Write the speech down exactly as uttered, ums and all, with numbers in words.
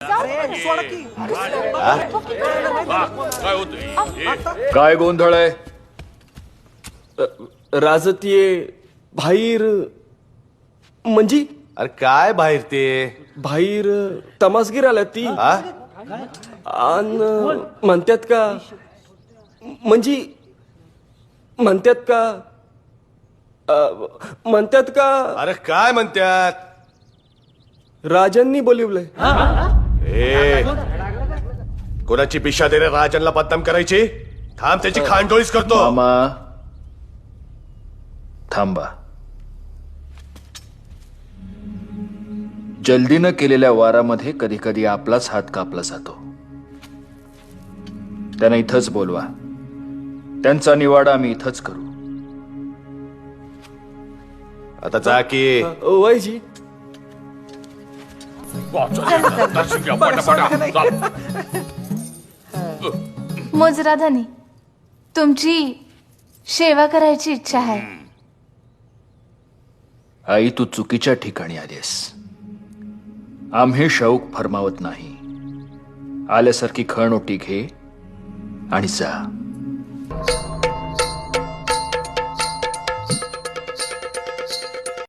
काय गोंधळ आहे? राजतीये बाहेर म्हणजे अरे काय बाहेर ते बाहेर तमासगीर आल्या ती हा? आणि म्हणतात का म्हणजे म्हणतात का अ, म्हणतात का अरे काय म्हणतात? राजांनी बोलिवलंय. ए कोणाची पिशा दे रे राजांना बदनाम करायची? थांब त्याची खांडोळीच करतो. मामा थांबा. जल्दीनं केलेल्या वारामध्ये कधी कधी आपलाच हात कापला जातो. त्यांना इथंच बोलवा. त्यांचा निवाडा आम्ही इथंच करू. आता जा की. वयजी मोजराधानी तुमची सेवा करायची इच्छा आहे. आई तू चुकीच्या ठिकाणी आलीस. आम्ही शौक फरमावत नाही. आल्यासारखी खणओटी घे आणि जा.